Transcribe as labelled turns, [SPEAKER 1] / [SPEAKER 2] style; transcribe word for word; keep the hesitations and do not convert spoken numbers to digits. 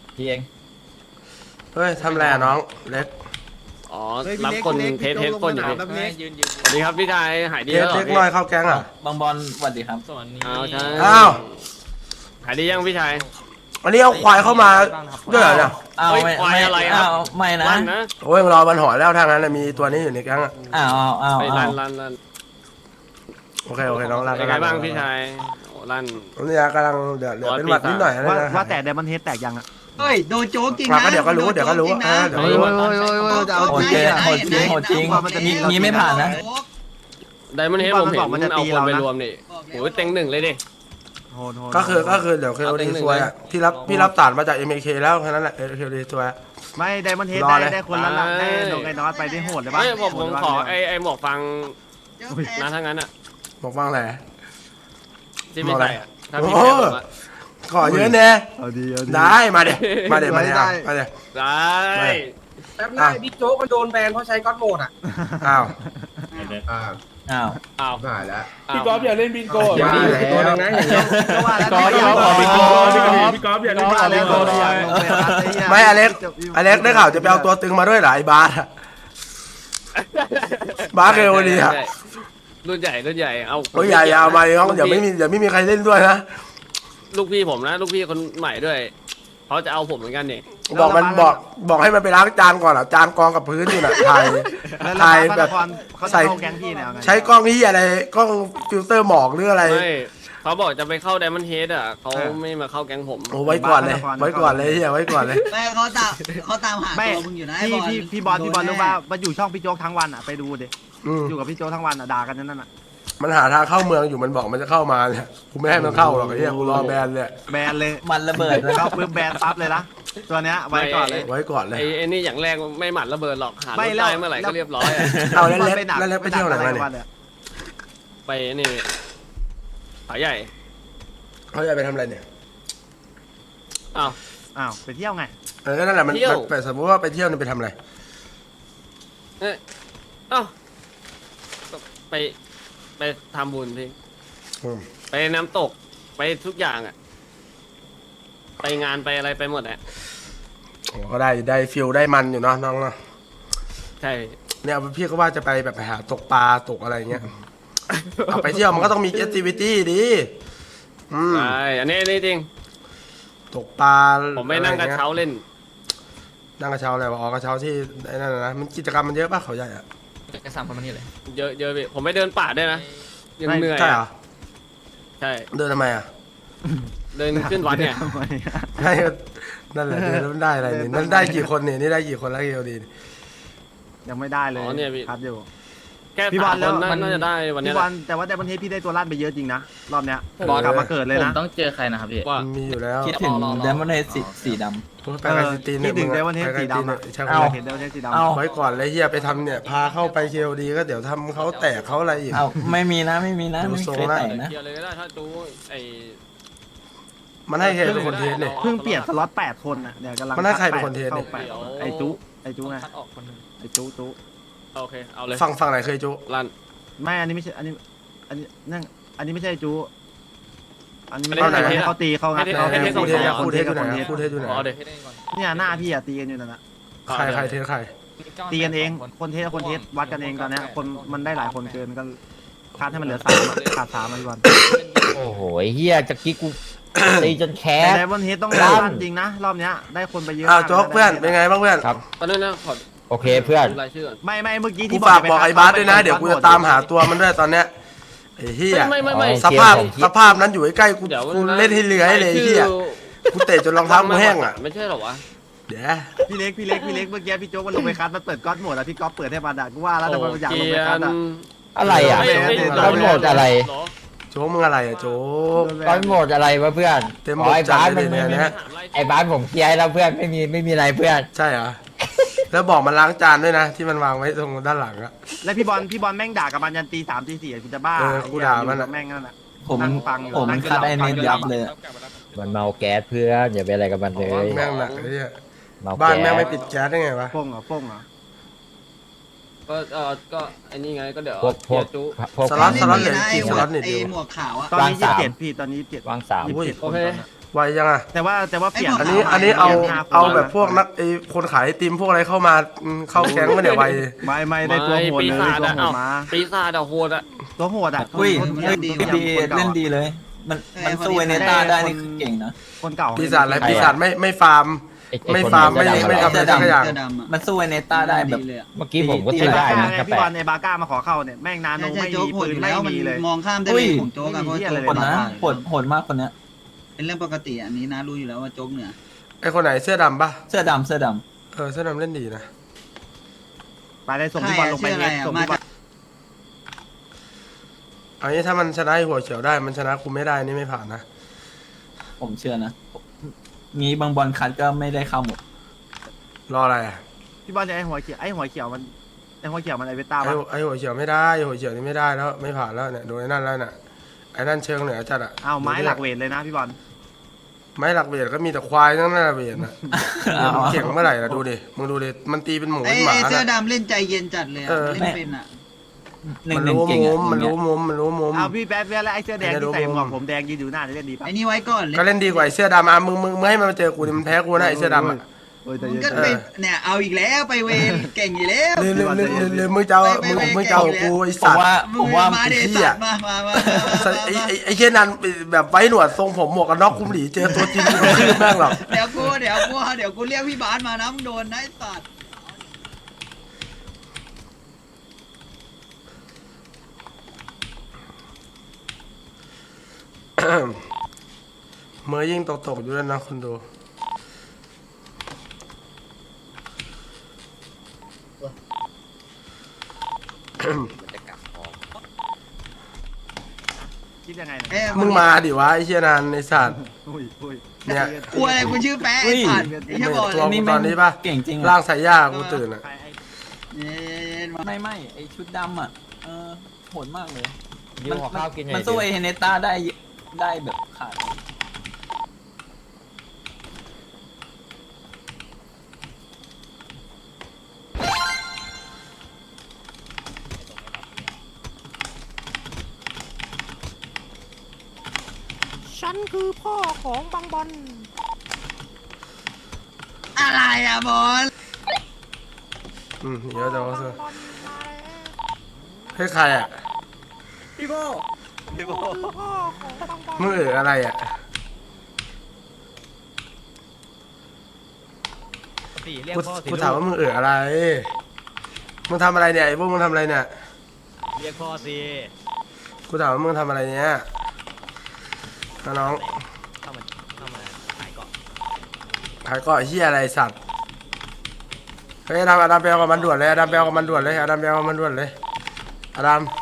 [SPEAKER 1] พี่เอง
[SPEAKER 2] เฮ้ยทำอะไรอะน้องเล็ก
[SPEAKER 3] อ๋อรับคนเทสเทสคนอยู่พี่
[SPEAKER 4] ยืนยืน
[SPEAKER 3] สวัสดีครับพี่ชายหายดี
[SPEAKER 2] เล็ก
[SPEAKER 3] แล้วเหร
[SPEAKER 2] เล็
[SPEAKER 3] อก พี่
[SPEAKER 2] น้อยเข้าแก๊งอ่ะ
[SPEAKER 1] บางบอลสวัสดีครับ
[SPEAKER 4] ส่วนนี้
[SPEAKER 3] อ้าวใช่
[SPEAKER 2] อ้าว
[SPEAKER 3] หายดียังพี่ชาย
[SPEAKER 2] อันนี้เอาควายเข้ามาด้วยเหรอเนี่ย
[SPEAKER 1] อ้าว
[SPEAKER 3] เฮ้ย
[SPEAKER 1] ไม่
[SPEAKER 3] ควาย
[SPEAKER 1] ไม่
[SPEAKER 3] อะไรครับ
[SPEAKER 1] อ้าวไม่นะ
[SPEAKER 3] ลั่นนะ
[SPEAKER 2] โอ้ยรอมันหอยแล้วทางนั้นนะมีตัวนี้อยู่ในแก๊งอ่ะ
[SPEAKER 1] อ้าวอ้าวอ้าว
[SPEAKER 3] ไป
[SPEAKER 1] อ้า
[SPEAKER 3] ลั่
[SPEAKER 1] วน
[SPEAKER 3] ลั่นลั่น
[SPEAKER 2] โอเคโอเคน้องรัก
[SPEAKER 3] เป็นไงบ้างพี่ชายโอ้ลั่น
[SPEAKER 2] นี่กำลังเดือดเดือดเป็นหวัดนิดหน่อยนะ
[SPEAKER 5] ว่า
[SPEAKER 2] นะ
[SPEAKER 5] ว่าแต่ไดมอนเฮดแตกยังอ่ะ
[SPEAKER 6] เฮ้ยโดนโจ๊กจริง
[SPEAKER 2] มา
[SPEAKER 6] นะ
[SPEAKER 2] ก็เดี๋ยวก็รู้เดี๋ยวก็รู้อ่าเดี๋ยว
[SPEAKER 5] โอ้
[SPEAKER 2] ก็
[SPEAKER 5] ย
[SPEAKER 2] รู้
[SPEAKER 5] โอ้ยโอ้ยโอ้ยจะเอา
[SPEAKER 1] โหด
[SPEAKER 5] จริ
[SPEAKER 1] จริ
[SPEAKER 5] ง
[SPEAKER 1] งโหดจริงโหดจริงมีมีไม่ผ่านนะ
[SPEAKER 3] ไดมอนเฮดผมเห็น
[SPEAKER 5] มันจะ
[SPEAKER 3] เอา
[SPEAKER 5] ตี
[SPEAKER 3] คน
[SPEAKER 5] เรา
[SPEAKER 3] ไป
[SPEAKER 5] นะ
[SPEAKER 3] รวมนี่โอ้ยเต็งหนึ่งเลยดิ
[SPEAKER 5] โหดโหด
[SPEAKER 2] ก็คือก็คือเดี๋ยวเคโอดีซวยอ่ะพี่รับพี่รับสารมาจากเอ็มเอเคแล้วแค่นั้นแหละเคโอดีซวย
[SPEAKER 5] ไม่ไดมอนเฮด
[SPEAKER 2] รอ
[SPEAKER 5] ได้
[SPEAKER 2] เลย
[SPEAKER 5] ได้คนละละได้ลงไอ้นอตไปได้โหดเลยปะ
[SPEAKER 3] เฮ้ยผมผมขอไอไอหมวกฟัง
[SPEAKER 6] อุ้ย
[SPEAKER 3] นะทั้งนั้นอ่ะ
[SPEAKER 2] บอกฟังแหละ
[SPEAKER 3] ที่ไม่ใส่อ่ะถ้าพี่
[SPEAKER 2] โอ้
[SPEAKER 3] แพ้ผมอะ
[SPEAKER 2] ขอเยอะแน่
[SPEAKER 5] เอาดีเอาดี
[SPEAKER 2] ได้มาเดี๋ยวมาเดี๋ยวมาเดี๋ยว
[SPEAKER 5] ได้
[SPEAKER 2] มาเดี๋ยว
[SPEAKER 3] ได้
[SPEAKER 7] แป๊บหน้าบิ๊กโจ๊กมันโดนแบนเพราะใช้ก๊อตโหมดอ่ะ
[SPEAKER 2] อ้าว
[SPEAKER 7] อ่า
[SPEAKER 1] อ้าว
[SPEAKER 3] อ้าว
[SPEAKER 7] หายแล้ว
[SPEAKER 3] พี่ก๊อฟอย่าเล่นบิงโก้
[SPEAKER 7] อย่าดีตัวนึงนะอย่างเงี้ย
[SPEAKER 5] ก็ว่าแล้ว
[SPEAKER 3] พี่ก๊อฟ
[SPEAKER 5] พี่
[SPEAKER 3] พี่
[SPEAKER 5] ก๊
[SPEAKER 3] ก๊
[SPEAKER 5] อ
[SPEAKER 3] อ
[SPEAKER 5] ฟ
[SPEAKER 3] ฟ
[SPEAKER 5] พี่
[SPEAKER 3] พี่
[SPEAKER 5] ก๊
[SPEAKER 3] ก๊
[SPEAKER 5] อ
[SPEAKER 3] อ
[SPEAKER 5] ฟ
[SPEAKER 3] ฟพี่ก๊อฟอย่า
[SPEAKER 5] ก็
[SPEAKER 3] เล่น
[SPEAKER 5] ว่าแล้ว
[SPEAKER 3] บิงโก้
[SPEAKER 5] อยากลงไปคัดอ้เหี้ย
[SPEAKER 2] ไม่อเล็กอเล็กได้ข่าวจะไปเอาตัวตึงมาด้วยเหรอไอ้บาสอะบาสเคโอดีอะ
[SPEAKER 3] รุ่นใหญ่รุ่นใหญ่เอา
[SPEAKER 2] โอ้ยอย่าอย่าเอามาน้องเดี๋ยวไม่มีเดี๋ยวไม่มีใครเล่นด้วยนะ
[SPEAKER 3] ลูกพี่ผมนะลูกพี่คนใหม่ด้วยเขาจะเอาผมเหมือนกันนี่
[SPEAKER 2] บอกมันบอกบอกให้มันไปล้างจานก่อนอ่ะจานกองกับพื้นอยู่น่ะถ่าย
[SPEAKER 5] แล้ว
[SPEAKER 2] ถ่าย
[SPEAKER 5] พ
[SPEAKER 2] แบ
[SPEAKER 5] ระ
[SPEAKER 2] บ
[SPEAKER 5] นครเขาจะ
[SPEAKER 2] ใส่
[SPEAKER 5] เข้าแก๊งพี่เนี่ยเอาไง
[SPEAKER 2] ใช้กล้องที่อะไรกล้องฟิลเตอร์หมอกหรืออะไร
[SPEAKER 3] ไม่เขาบอกจะไปเข้าไดมอนด์เฮดอ่ะเขาไม่มาเข้าแก๊งผม
[SPEAKER 2] โอ้ไว้ก่อนเลยไว้ก่อนเลยเฮียไว้ก่อนเลย
[SPEAKER 6] แม่เขาตามเขาตามหา
[SPEAKER 5] ไม่
[SPEAKER 6] ตัวมึงอยู่นะไอ้
[SPEAKER 5] พี่
[SPEAKER 6] บอล
[SPEAKER 5] พี่พี่บอลพี่บอลรู้ป่ะมาอยู่ช่องพี่โจ๊กทั้งวันอ่ะไปดูดิ
[SPEAKER 2] อืม
[SPEAKER 5] อยู่กับพี่โจ๊กทั้งวันอ่ะด่ากันนั่นน่ะ
[SPEAKER 2] มันหาทางเข้าเมืองอยู่มันบอกมันจะเข้ามาเนี่ยกูไม่ให้มันเข้าหรอกไอ้เฮียกูรอแบนเลย
[SPEAKER 5] แบนเลย
[SPEAKER 1] มันระเบิดเลย
[SPEAKER 5] เข้าปุ๊บแบนปั๊บเลยนะตัวเนี้ยไว้ก่อนเลย
[SPEAKER 2] ไว้ก่อนเลย
[SPEAKER 3] ไอ้ไอ้นี่อย่างแรกไม่หมัดระเบิดหรอกหาร
[SPEAKER 5] ไม่
[SPEAKER 3] ถ
[SPEAKER 5] แล้ว
[SPEAKER 3] ได้เมื่อไหร่ก็เรียบร้อยอะ
[SPEAKER 2] เอาแล้วเล็ก
[SPEAKER 5] ไปหนั
[SPEAKER 2] แล้วเล็กไปเที่ยวไหนมาเนี่ย
[SPEAKER 3] ไปนี่ผาใหญ่
[SPEAKER 2] เขาจะไปทำอะไรเนี่ย
[SPEAKER 3] อ้าว
[SPEAKER 5] อ้าวไปเที่ยวไง
[SPEAKER 2] เออนั่นแหละมัน
[SPEAKER 3] เที่ยว
[SPEAKER 2] มันไปสมมติว่าไปเที่ยวนี่ไปทำอะไร
[SPEAKER 3] เอ้ยอ้าวไปไปทำบุญพี่
[SPEAKER 2] อืม
[SPEAKER 3] ไปน้ำตกไปทุกอย่างอ่ะไปงานไปอะไรไปหมดอ่ะ
[SPEAKER 2] โอ้ก็ได้ได้ฟิลได้มันอยู่เนาะน้องเนาะ
[SPEAKER 3] ใช่
[SPEAKER 2] เนี่ยพี่ก็ว่าจะไปแบบไปหาตกปลาตกอะไรเงี้ยเอาไปเที่ยวมันก็ต้องมีแอคทิวิตี้ดิอืม
[SPEAKER 3] ใช่อันนี้อันนี้จริง
[SPEAKER 2] ตกปลา
[SPEAKER 3] ผมไปนั่งกระเช้าเล่น
[SPEAKER 2] นั่งกระเช้าอะไรวะอ๋อกระเช้าที่ไอ้นั่นน่ะนะมันกิจกรรมมันเยอะป่ะเขาใหญ่อะ
[SPEAKER 1] กระสับประมาณนี้เลย
[SPEAKER 3] เยอะเยอะพี่ผมไปเดินป่าด้วยนะยังเหนื่อย
[SPEAKER 2] ใช่เหรอ
[SPEAKER 3] อะใช่
[SPEAKER 2] เดินทำไมอ่ะ
[SPEAKER 3] เดินขึ้นวัดเนี่ย
[SPEAKER 5] ทำไมอะ
[SPEAKER 2] ให้นั่นแหละเดินแล้วมันได้อะไรนี่นั่นได้กี่คนเนี่ยนี่ได้กี่คนแล้วเกียวดี
[SPEAKER 5] ยังไม่ได้เลย
[SPEAKER 3] อ๋อเนี่ยพี่
[SPEAKER 5] คัดอยู่
[SPEAKER 3] แค่
[SPEAKER 5] พี่บอ
[SPEAKER 3] สา
[SPEAKER 5] ล
[SPEAKER 3] ม
[SPEAKER 5] แล้
[SPEAKER 3] คว นน่า
[SPEAKER 5] มัน
[SPEAKER 3] น่าจะได้วันเนี้
[SPEAKER 5] พี่
[SPEAKER 3] ย
[SPEAKER 5] บ
[SPEAKER 3] แห
[SPEAKER 5] อ
[SPEAKER 3] ละ
[SPEAKER 5] ลแต่ว่าไดมอนเฮดพี่ได้ตัวลั่นไปเยอะจริงนะรอบเนี้ย
[SPEAKER 2] บอล
[SPEAKER 5] กลับมาเกิดเลย
[SPEAKER 1] ผม
[SPEAKER 5] นะ
[SPEAKER 1] ต้องเจอใครนะครับพี่
[SPEAKER 3] ว่า
[SPEAKER 2] มีอยู่แล้ว
[SPEAKER 1] คิดถึงเดมอนเฮดสีสีด
[SPEAKER 2] ไปกันตีน
[SPEAKER 5] คิดถึงไดมอนเฮดสีดำอะ
[SPEAKER 2] ใช่
[SPEAKER 5] เอา
[SPEAKER 2] ไหม
[SPEAKER 5] เห็นไดมอนเฮดสีดำ
[SPEAKER 1] เอา
[SPEAKER 2] ไว้ก่อนเลยเฮียไปทำเนี่ยพาเข้าไปเคโอดีก็เดี๋ยวทำเขาแตกเขาอะไรอีก
[SPEAKER 1] ำเอาไม่มีนะไม่มีนะ
[SPEAKER 2] ดู
[SPEAKER 1] ไม่
[SPEAKER 2] ทรง
[SPEAKER 1] เคย
[SPEAKER 2] ละ
[SPEAKER 1] แต่งนะ
[SPEAKER 3] เคลียร์เลยก็ได้ถ้าดูไอ้
[SPEAKER 2] มันให้ใครเป็นคนเทสเนี่ย
[SPEAKER 5] เพิ่งเปลี่ยนสล็อตแปดคนอ่ะเดี๋ยวกำลัง
[SPEAKER 2] มันให้ใครเป็นคนเทสเนี่ย
[SPEAKER 5] ข้าไปไอจุไอจุไง
[SPEAKER 3] คัดออกคนหนึง
[SPEAKER 5] ไอจุจุ
[SPEAKER 3] โอเคเอาเลย
[SPEAKER 2] ฟังฟังไหนเคยจุ
[SPEAKER 3] ลั่น
[SPEAKER 5] ไม่อันนี้ไม่ใช่อันนี้อันนี้นั่นอันนี้ไม่ใช่จุอันนี้
[SPEAKER 3] อัน
[SPEAKER 5] ไม่
[SPEAKER 3] นี้
[SPEAKER 5] ใช่
[SPEAKER 3] ให้
[SPEAKER 5] ให้เขาตีเขางัด
[SPEAKER 3] ให้
[SPEAKER 5] เขา
[SPEAKER 3] ให้
[SPEAKER 5] ให้
[SPEAKER 3] ให้
[SPEAKER 5] คู่
[SPEAKER 2] คู่
[SPEAKER 5] เท
[SPEAKER 2] เท
[SPEAKER 5] ส
[SPEAKER 2] ส
[SPEAKER 5] กับ
[SPEAKER 2] คู่
[SPEAKER 5] คู่
[SPEAKER 2] เท
[SPEAKER 5] เท
[SPEAKER 2] ส
[SPEAKER 5] ส
[SPEAKER 2] อ
[SPEAKER 5] กับ
[SPEAKER 2] ยู่ไหน
[SPEAKER 5] คนเทส
[SPEAKER 2] คู่เทสอยู่ไหน
[SPEAKER 3] อ๋อเดี๋ยว
[SPEAKER 5] เนี่ยหน้าพี่อะตีกันอยู่นั่นแหละ
[SPEAKER 2] ใครใครเทสใคร
[SPEAKER 5] ตีกันเองคนเทสกับคนเทสวัดกันเองตอนเนี้ยคนมันได้หลายคนเกินก็คัดให้มันเหลือสามอะขาดสามมาดีกว่า
[SPEAKER 8] โอ้โหเฮียจากกี้กู ตีจนแค
[SPEAKER 5] แต่
[SPEAKER 8] ส
[SPEAKER 5] ไดมอนเฮดต้อง
[SPEAKER 8] ลั่
[SPEAKER 5] ลั่
[SPEAKER 8] น
[SPEAKER 5] นจริงนะรอบเนี้ยได้คนไปเยอะ
[SPEAKER 2] อ้าว
[SPEAKER 5] มาก
[SPEAKER 2] โจ๊กเพื่อนเป็นไงบ้างเพื่อน
[SPEAKER 8] ครับ
[SPEAKER 3] ตอนนั้นนะขอ
[SPEAKER 8] โอเคเพื่อน
[SPEAKER 3] ดูรายชื่อก่อน
[SPEAKER 5] ไม่ไม่เมื่อกี้
[SPEAKER 2] กู
[SPEAKER 5] ที่
[SPEAKER 2] ฝาก
[SPEAKER 5] จะ
[SPEAKER 2] บอก
[SPEAKER 5] ไป
[SPEAKER 2] ไอ้บาสด้วยนะเดี๋ยวกูจะตามหาตัวมันด้วยตอนเนี้ยไอ้เฮีย
[SPEAKER 3] ไม่ไม่ไม่ไม่
[SPEAKER 2] สภาพ
[SPEAKER 8] เกม
[SPEAKER 2] สภาพนั้นอยู่ใกล้ๆกู
[SPEAKER 3] เดี๋ยว
[SPEAKER 2] กูเล่นให้เลื้อยเลยไอ้เฮียกูเตะจนรองเท้ากูแห้งอ่ะ
[SPEAKER 3] ไม่ใช่หรอวะ
[SPEAKER 2] เดี๋ยว
[SPEAKER 5] พี่เล็กพี่เล็กพี่เล็กเมื่อกี้พี่โจ๊กมันลงไปคัดมันเปิดก๊อตโหมดอะพี่ก๊อฟเปิดให้มันอะกูว่าแล้วแต่มันอยากลงไปคัดอะ
[SPEAKER 8] อะไรอ่ะ
[SPEAKER 3] ไม่ไม่
[SPEAKER 8] ก้อนโหมดอะไร
[SPEAKER 3] เหรอ
[SPEAKER 2] โจ๊กมึงอะไรอ่ะโจ๊ก
[SPEAKER 8] ก้อนโหมดอะไรวะเพื่อน
[SPEAKER 2] เต็ม
[SPEAKER 8] อ๋
[SPEAKER 2] บ
[SPEAKER 8] อ
[SPEAKER 2] ท
[SPEAKER 8] ไอ้
[SPEAKER 2] จัด
[SPEAKER 8] บ้าน
[SPEAKER 2] เล
[SPEAKER 8] มัน
[SPEAKER 2] ย
[SPEAKER 8] ไม่
[SPEAKER 2] เนี่ย
[SPEAKER 8] มี
[SPEAKER 2] นะ
[SPEAKER 8] ไอ้บ้านผมเคลียร์ให้แล้วเพื่อนไม่มีไม่มีอะไรเพื่อน
[SPEAKER 2] ใช่เหรอแล้วบอกมันล้างจานด้วยนะ ที่มันวางไว้ตรงด้านหลังอะ
[SPEAKER 5] แล้วพี่บอลพี่บอลแม่งด่ากับมันยันตีสามตีสี่กูจะบ้า
[SPEAKER 2] เออกูด่ามันอะ
[SPEAKER 5] แม่งนั่นอะ
[SPEAKER 1] ผม
[SPEAKER 5] นั่งฟังอยู่
[SPEAKER 1] ผม
[SPEAKER 5] นั่ง
[SPEAKER 1] คัดไอ้เน้นยับเลยอะ
[SPEAKER 8] มันเมาแก๊สเพื่อนอย่าไปอะไรกับมันเลย
[SPEAKER 2] แม่งหนักเลยเนี่ย
[SPEAKER 8] เมา
[SPEAKER 2] บ้าน
[SPEAKER 8] แก๊
[SPEAKER 2] แม่งไม่
[SPEAKER 8] ส
[SPEAKER 2] ปิดแก๊สได้ไงวะ
[SPEAKER 5] โป้งเหรอโป้งเหรอ
[SPEAKER 3] ก็เออก็ไอ้นี่ไงก็เดี๋ยว
[SPEAKER 8] พวกพวก
[SPEAKER 3] เดี๋ยจุ
[SPEAKER 8] พวก
[SPEAKER 2] สล็อต
[SPEAKER 6] ไม่
[SPEAKER 2] สล็อต
[SPEAKER 6] มี
[SPEAKER 2] เหลือ
[SPEAKER 6] นะ
[SPEAKER 2] กี่
[SPEAKER 6] ไอ้
[SPEAKER 2] ส
[SPEAKER 6] หม
[SPEAKER 2] ล็
[SPEAKER 6] ว
[SPEAKER 2] อก ตเนี่ย
[SPEAKER 6] ไอ้
[SPEAKER 2] ดิว
[SPEAKER 6] หมวกขาวอะ
[SPEAKER 5] ตอนนี้
[SPEAKER 8] วาง
[SPEAKER 5] ยี่
[SPEAKER 8] สาม
[SPEAKER 5] สิบเจ็ดพี่ตอนนี้เจ็ด
[SPEAKER 8] วางสาม
[SPEAKER 5] ยี่สิบเจ็ด
[SPEAKER 3] โอเค
[SPEAKER 5] นตอนนั้น
[SPEAKER 2] ไวยังอ่ะ
[SPEAKER 5] แต่ว่าแต่ว่าเปลี่ยน
[SPEAKER 2] อันนี้อันนี้เอาเอาแบบพวกนักไอคนขายไอติมพวกอะไรเข้ามาอืมเข้าแก๊งมาเนี่ยไว
[SPEAKER 5] ไม่ไม่ได้ตัวโหด
[SPEAKER 3] ปี
[SPEAKER 5] เลย
[SPEAKER 3] ศาจ
[SPEAKER 5] ตัว
[SPEAKER 3] อะ
[SPEAKER 5] โห
[SPEAKER 3] เอ้า
[SPEAKER 5] ดมา
[SPEAKER 3] ปีศาจอะโหดอะ
[SPEAKER 5] ตัวโหดอ่ะ
[SPEAKER 1] อุ้ย
[SPEAKER 5] คน
[SPEAKER 1] เล่นดีดีเล่นดีเลย มันมันสู้เวเนต้าได้นี่คือเก่งนะ
[SPEAKER 5] คนเก่า
[SPEAKER 2] ปีศาจอะไรปีศาจไม่ไม่ฟาร์ม
[SPEAKER 8] ไอ้อ้
[SPEAKER 2] ไม่
[SPEAKER 8] คน
[SPEAKER 2] ฟาร์มไม่
[SPEAKER 8] เสื้อดำ
[SPEAKER 2] ไม่ทำอะไรสักอย่าง
[SPEAKER 6] เสื้อดำอะ
[SPEAKER 1] มันสู้เวเนต้าได้แบบ
[SPEAKER 6] เลยอะ
[SPEAKER 8] เมื่อกี้ผมก็
[SPEAKER 1] ตี
[SPEAKER 8] ใช้ได้
[SPEAKER 5] ไง
[SPEAKER 8] นะกระ
[SPEAKER 5] พี่
[SPEAKER 8] แปะ
[SPEAKER 5] บอลในบาก้ามาขอเข้าเนี่ยแม่งนาโน
[SPEAKER 6] ใช่ใช่
[SPEAKER 5] ไม่
[SPEAKER 6] โจ๊
[SPEAKER 5] มี
[SPEAKER 6] กโหด
[SPEAKER 5] ปื
[SPEAKER 6] อน ยู่
[SPEAKER 5] ไม่
[SPEAKER 6] แล้วมัน
[SPEAKER 5] มีเลย
[SPEAKER 6] มองข้ามได้
[SPEAKER 1] อุ้
[SPEAKER 6] เลย ยของโจ๊กอะเพราะ
[SPEAKER 5] ไม่มี
[SPEAKER 6] โจ๊ก
[SPEAKER 5] อะไรเลย
[SPEAKER 1] คนนะ
[SPEAKER 6] บ้า
[SPEAKER 1] โหดโหดมากคนเนี้ย
[SPEAKER 6] เป็นเรื่องปกติอันนี้นะรู้อยู่แล้วว่าโจ๊กเหนือ
[SPEAKER 2] ไอคนไหนเสื้อดำปะ
[SPEAKER 1] เสื้อดำเสื้อด
[SPEAKER 2] เออเสื้อดำเล่นดีนะ
[SPEAKER 5] ไปได้ส่งพี่บอลลงไป
[SPEAKER 6] ใช่
[SPEAKER 5] เฮ
[SPEAKER 6] อะ
[SPEAKER 5] ดส่ง
[SPEAKER 6] มา
[SPEAKER 5] พี่บอ
[SPEAKER 6] จา
[SPEAKER 5] ล
[SPEAKER 6] ก
[SPEAKER 2] อันนี้ถ้ามันชนะไอ้หัวเขียวได้มันชนะกูไม่ได้นี่ไม่ผ่านนะ
[SPEAKER 1] ำผมเชื่อนะ มีบางบอลคัดก็ไม่ได้เข้าหมด
[SPEAKER 2] รออะไรอ่ะ
[SPEAKER 5] พี่บอลจะไอหัวเขียวไอหัวเขียวมันไอหัวเขียวมันไอเวต้า
[SPEAKER 2] ไอ้
[SPEAKER 5] ปะ
[SPEAKER 2] ไอ้หัวเขียวไม่ได้ไอ้หัวเขียวนี่ไม่ได้แล้วไม่ผ่านแล้วเนี่ยโดนไอ้นั่นแล้วเนี่ยไอ้นั่นเชิงเหนือจัดอ่ะ
[SPEAKER 5] อ้าวไม้หลักเวทเลยนะพี่บอล
[SPEAKER 2] ไม้หลักเบียดก็มีแต่ควายทั้งนั้นนะเบียดนะ
[SPEAKER 1] เอา
[SPEAKER 2] มันเก่งเมื่อไหร่ล่ะดูดิมึงดูดิมันตีเป็นหมู
[SPEAKER 6] ไอ้
[SPEAKER 2] เป็นหมา
[SPEAKER 6] ไอ้เสื้อ
[SPEAKER 2] น่ะ
[SPEAKER 6] ดำเล่นใจเย็นจัดเลยอะ
[SPEAKER 2] เออ
[SPEAKER 6] เล่นเป็นอะ
[SPEAKER 1] หนึ่
[SPEAKER 2] มั
[SPEAKER 1] ง
[SPEAKER 2] น
[SPEAKER 1] หนึ่ง
[SPEAKER 2] รู้
[SPEAKER 1] เก่ง
[SPEAKER 2] มุ
[SPEAKER 1] อะ
[SPEAKER 2] มมันรู้มุมมันรู้มุม
[SPEAKER 5] อ้าวพี่แป๊บเวลาไอเสื้อแดง
[SPEAKER 2] ไม่ได้
[SPEAKER 5] ที่ใส่
[SPEAKER 2] รู้
[SPEAKER 5] หมวกผมแดงยืนอยู่หน้าจะเล่นดีปะ
[SPEAKER 6] ไอ้นี่ไว้ก่อนเลย
[SPEAKER 2] ก็เล่นดีกว่าไอ้เสื้อดำอ่ะมึงมึงมึงให้มันมาเจอกูดิมันแพ้กูนะไอ้เสื้อดำอ่ะ
[SPEAKER 5] โอ้ยแต่
[SPEAKER 6] มึง
[SPEAKER 5] เย็น
[SPEAKER 6] ก็ไปเนี่ยเอาอีกแล้วไปเวรเก่งอยู่แล้ว
[SPEAKER 2] หรือหรือหรือหรือหรือมึงจะเอามึงมึงจะเอากูไอ้
[SPEAKER 1] ผม
[SPEAKER 2] สัตว์
[SPEAKER 1] ว่า
[SPEAKER 6] มึ
[SPEAKER 1] ผ
[SPEAKER 6] ง
[SPEAKER 1] มว่า
[SPEAKER 6] มาเด
[SPEAKER 2] ไอ้เหี้ย
[SPEAKER 6] สัตว์มามามา
[SPEAKER 2] สัตว์ไอ้ไอ้ไอ้เช่นนั้นแบบไว้หนวดทรงผมหมวกกันน็อกคุมหลีเจอตัวจริงกูไม่ชื่อแม่งหรอก
[SPEAKER 6] เดี๋ยวกูเดี๋ยวกูเดี๋ยวกูเรียกพี่บาสมานะมึงโดนนะไอ้สัตว์
[SPEAKER 2] เมื่อยิ่งตกตกอยู่แล้วนะคนดู
[SPEAKER 5] คิดยังไง
[SPEAKER 6] เอ้ย
[SPEAKER 2] มึงมาดิวะไอ้เชี่ยนันไอ้สัตว์
[SPEAKER 5] อุ้ยอุ้ย
[SPEAKER 2] เนี่ย
[SPEAKER 6] กูอะไรกูชื่อแป๊ะไอ้สัตว์ไอ้เหี้ยบอกเล
[SPEAKER 2] ตัวย กูตอนนี้ปะ
[SPEAKER 1] เก่งจริง
[SPEAKER 2] ร่า
[SPEAKER 1] อะ
[SPEAKER 2] งสายยากูตื่นอ่ะ
[SPEAKER 5] ใครไอ
[SPEAKER 6] เย็นๆมา
[SPEAKER 1] ไม่ไม่ไอชุดดำอ่ะเออโหดมากเลย
[SPEAKER 8] ยืมขอข้าวกินหน่
[SPEAKER 1] มั
[SPEAKER 8] อน ย
[SPEAKER 1] สู้
[SPEAKER 8] ดิ
[SPEAKER 1] ไอเฮเนต้าได้ได้แบบขาด
[SPEAKER 4] ฉันคือพ่อของบางบอล
[SPEAKER 6] อะไรอะบอล
[SPEAKER 2] อืมเดี๋ยวเดี๋ยว
[SPEAKER 4] บาง
[SPEAKER 2] เสือบ
[SPEAKER 4] อลมาแล้ว
[SPEAKER 2] ให้ใครอ่ะ
[SPEAKER 3] พี่โบ
[SPEAKER 4] คือพ่อของบางบอล
[SPEAKER 2] มึงเอ๋ออะไรอ่ะ
[SPEAKER 8] สี่เรียก
[SPEAKER 2] กู
[SPEAKER 8] พ่อสิ
[SPEAKER 2] กู
[SPEAKER 8] ลู
[SPEAKER 2] ถามว่ามึงเอ๋ออะไรมึงทำอะไรเนี่ยไอ้พวกมึงทำอะไรเนี่ย
[SPEAKER 8] เรียกพ่อสิ
[SPEAKER 2] กูถามว่ามึงทำอะไรเนี่ยนะน้อง
[SPEAKER 8] เข้ามาเข้ามาขายเกาะ
[SPEAKER 2] ขายเกาะเฮียอะไรสัตว์เฮ้ยอดัมอดัมไปเอากับมันด่วนเลยอดัมไปเอากับมันด่วนเลยอดัมไปเอากับมันด่วนเลยอดัม